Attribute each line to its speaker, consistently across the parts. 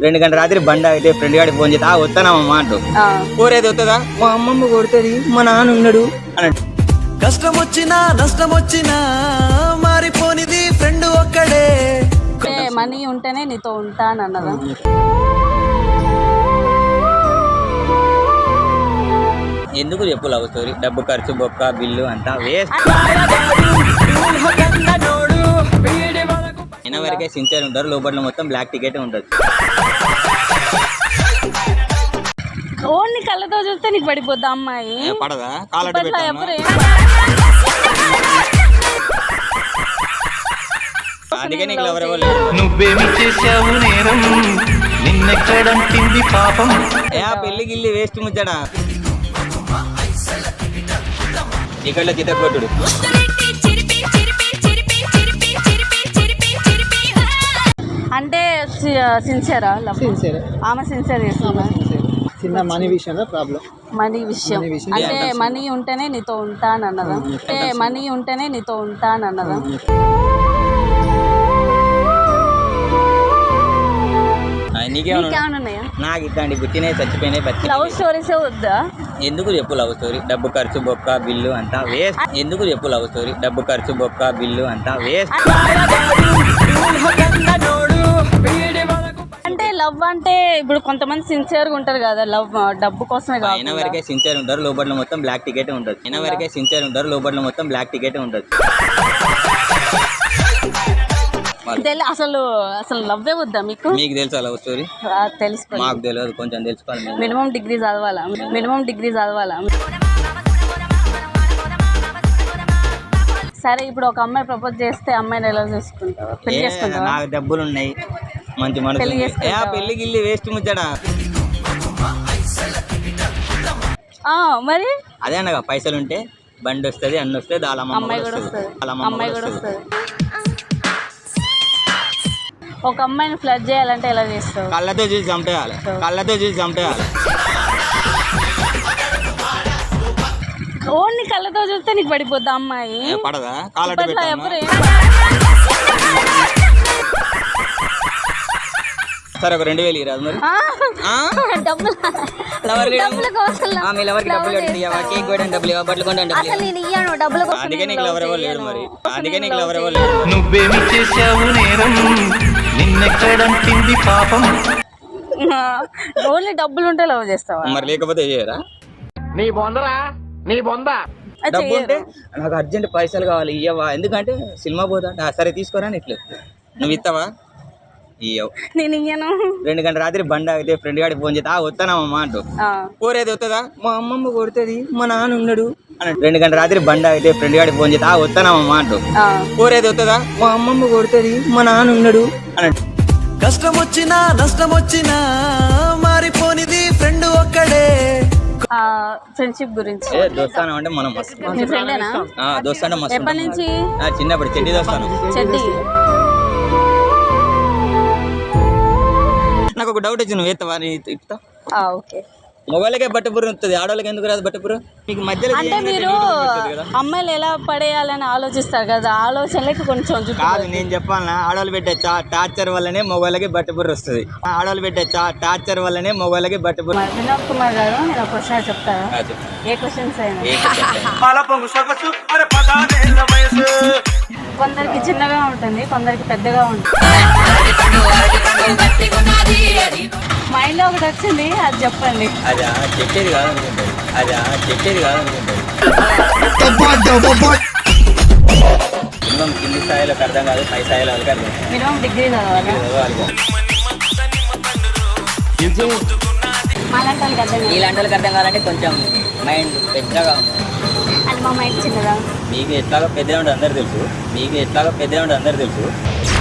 Speaker 1: 2 గంటల రాత్రి బండి అయితే ఫ్రెండ్ గాడికి ఫోన్ చేస్తే వస్తానమ్మా అంటూ కోరేది వస్తుందా మా అమ్మమ్మ కొడుతుంది మా నాన్న ఉన్నాడు అన్నట్టు.
Speaker 2: కష్టం వచ్చినా నష్టం వచ్చినా మారిపోనిది ఫ్రెండ్ ఒక్కడే.
Speaker 3: మనీ ఉంటేనే నీతో ఉంటాను అన్నదా?
Speaker 1: ఎందుకు చెప్పు లవ్ స్టోరీ? డబ్బు ఖర్చు బొక్క బిల్లు అంతా వేస్ట్. అయిన వరకే సిన్సియర్ ఉంటారు, లోపల మొత్తం బ్లాక్ టికెట్ ఉంటుంది.
Speaker 3: ఓన్లీ కళ్ళతో చూస్తే నీకు పడిపోద్దా అమ్మాయి?
Speaker 1: పడదా? కాలట్టు అందుకే నీకు లవర్
Speaker 2: నువ్వేమి చేసావు నేరం, నిన్నెక్కడంటింది పాపం.
Speaker 1: పెళ్లి గిల్లి వేస్ట్ ముచ్చడా. ఇక్కడ చిత్తకొట్టుడు
Speaker 3: అంటే సిన్సియరా?
Speaker 4: సిన్సియర్.
Speaker 3: ఆమె సిన్సియర్ చేస్తుందా?
Speaker 4: చిన్న మనీ విషయంలో ప్రాబ్లం.
Speaker 3: మనీ విషయం అంటే మనీ ఉంటేనే నీతో ఉంటాను అన్నదా? అంటే మనీ ఉంటేనే నీతో ఉంటాను అన్నదా?
Speaker 1: నాకు ఇట్లాంటి గుర్తినే చచ్చిపోయినాయి.
Speaker 3: లవ్ స్టోరీస్ వద్దా?
Speaker 1: ఎందుకు చెప్పు లవ్ స్టోరీ? డబ్బు ఖర్చు బొక్క బిల్లు అంతా వేస్ట్. ఎందుకు చెప్పు లవ్ స్టోరీ? డబ్బు ఖర్చు బొక్క బిల్లు అంతా వేస్ట్.
Speaker 3: అంటే లవ్ అంటే ఇప్పుడు కొంతమంది సిన్సియర్ గా ఉంటారు కదా, లవ్ డబ్బు కోసమే కాదు.
Speaker 1: అయిన వరకే సిన్సియర్ ఉంటారు, లోపల మొత్తం బ్లాక్ టికెట్ ఉంటుంది. అయిన వరకే సిన్సియర్ ఉంటారు, లోపల మొత్తం బ్లాక్ టికెట్ ఉంటుంది.
Speaker 3: అసలు అసలు లవ్వే వద్దా మీకు?
Speaker 1: మీకు తెలుసా లవ్ స్టోరీ?
Speaker 3: తెలుసుకో.
Speaker 1: మాకు తెలియదు, కొంచెం తెలుసుకోవాలి.
Speaker 3: మినిమం డిగ్రీ చదవాలా? సరే ఇప్పుడు ఒక అమ్మాయి ప్రపోజ్ చేస్తే అమ్మాయిని ఎలా చేసుకుంటావు? పెళ్లి చేసుకుంటావా?
Speaker 1: నాకు డబ్బులు ఉన్నాయి, మంచి మనసు. పెళ్లి గిల్లి వేస్ట్ ముచ్చడా.
Speaker 3: మరి
Speaker 1: అదే అన్నగా పైసలు ఉంటే బండి వస్తుంది, అన్ని వస్తుంది,
Speaker 3: అమ్మాయి కూడా వస్తుంది. ఒక అమ్మాయిని ఫ్లడ్ చేయాలంటే ఎలా చేస్తావు?
Speaker 1: కళ్ళతో చూసి చంపేయాలి.
Speaker 3: ఓన్లీ కళ్ళతో చూస్తే నీకు పడిపోద్దా అమ్మాయి?
Speaker 1: పడదా? కాలట్టు సరే ఒక 2000 ఇరాదు మరి. అందుకే నీకు లవర్ ఎవరు లేడు మరి.
Speaker 2: నువ్వేమి చేసావు నేరం, నిన్నెక్కడంటింది పాపం.
Speaker 3: ఓన్లీ డబ్బులు ఉంటే లవ్ చేస్తావా?
Speaker 1: మరి లేకపోతే చేయరా?
Speaker 4: నీ బొంద
Speaker 1: డబ్బు ఉంటే నాకు అర్జెంట్ పైసలు కావాలి ఇయ్యవా, ఎందుకంటే సినిమా పోతా. సరే తీసుకోరా ఇట్లు. నువ్వు ఇస్తావా? ఇయ్యవు.
Speaker 3: నేను ఇయ్యను.
Speaker 1: 2 గంటల రాత్రి బండి అయితే ఫ్రెండ్ గాడికి ఫోన్ చేస్తే వస్తానమ్మా అంటూ కోరేది వస్తుందా మా అమ్మమ్మ కొడుతుంది మా నాన్న ఉన్నాడు అన్నట్టు. 2 గంటల రాత్రి బండి అయితే ఫ్రెండ్ గాడికి ఫోన్ చేస్తే వస్తానమ్మా అంటూ కోరేది వస్తుందా మా అమ్మమ్మ కొడుతుంది మా నాన్న ఉన్నాడు అన్నట్టు.
Speaker 2: కష్టం వచ్చినా నష్టం వచ్చినా మారిపోనిది ఫ్రెండ్ ఒక్కడే.
Speaker 3: ఫ్రెండ్షిప్ గురించి
Speaker 1: దోస్తానం అంటే మనం
Speaker 3: మీ ఫ్రెండేనా?
Speaker 1: దోస్తానం మస్తు.
Speaker 3: ఎప్పటి నుంచి?
Speaker 1: చిన్నప్పుడు చెడ్డి దోస్తాను. నాకు ఒక డౌట్ వచ్చి నువ్వు ఎత్తవా? ఇస్తా.
Speaker 3: ఓకే.
Speaker 1: మొగోళ్ళకే బట్టపురం వస్తుంది, ఆడవాళ్ళకి ఎందుకు రాదు బట్టపురం? మీకు మధ్యలో
Speaker 3: అంటే మీరు అమ్మాయిలు ఎలా పడేయాలని ఆలోచిస్తారు కదా, ఆలోచనలకి కొంచెం
Speaker 1: కాదు. నేను చెప్పాలన్నా, ఆడవాళ్ళు పెట్టే టార్చర్ వల్లనే మొగోళ్ళకి బట్టపురం వస్తుంది. ఆడవాళ్ళు పెట్టే టార్చర్ వల్లనే మొగోళ్ళకి బట్టపురం.
Speaker 3: వినోద్ కుమార్ గారు, నేను ఒక క్వశ్చన్ చెప్తాను. ఏ క్వశ్చన్స్ అయినా? కొందరికి చిన్నగా ఉంటుంది, కొందరికి పెద్దగా ఉంటుంది. మైండ్ లో ఒకటి వచ్చింది, అది చెప్పండి.
Speaker 1: అదా చెప్పేది కాదనుకుంటుంది. మినిమం కింది స్థాయిలోకి అర్థం కాదు, పై స్థాయిలో వాళ్ళకి అర్థం.
Speaker 3: మినిమం డిగ్రీ చదవాలి.
Speaker 1: ఇలాంటి వాళ్ళకి అర్థం కావాలంటే కొంచెం మైండ్ పెద్దగా ఉంది.
Speaker 3: అది మా మైండ్ చిన్నదా?
Speaker 1: మీకు ఎట్లాగో పెద్దగా ఉంటుంది అందరు తెలుసు.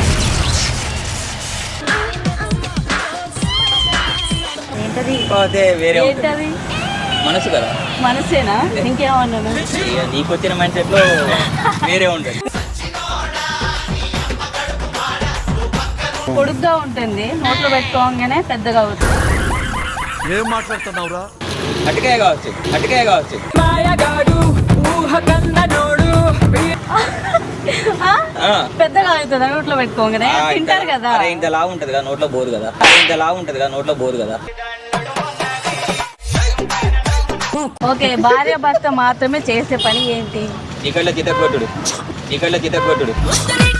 Speaker 1: వేరే మనసు కదా.
Speaker 3: మనసేనా? ఇంకేమన్నాను?
Speaker 1: నీకు వచ్చిన మైండ్ సెట్ లో వేరే ఉంటుంది.
Speaker 3: పొడుగ్గా ఉంటుంది, నోట్లో పెట్టుకోగానే పెద్దగా అవుతుంది.
Speaker 2: ఏం మాట్లాడుతున్నావురా?
Speaker 1: అటుకాయ కావచ్చు.
Speaker 3: పెద్దగా అవుతుందా నోట్లో పెట్టుకోగానే తింటారు కదా.
Speaker 1: అరే ఇంత లావు ఉంటది కదా నోట్లో బోరు కదా, ఇంత లావు ఉంటది కదా నోట్లో బోరు కదా.
Speaker 3: ఓకే, భార్య భర్త మాత్రమే చేసే పని ఏంటి?
Speaker 1: చీకట్లో చితకొట్టుడు, చీకట్లో చితకొట్టుడు.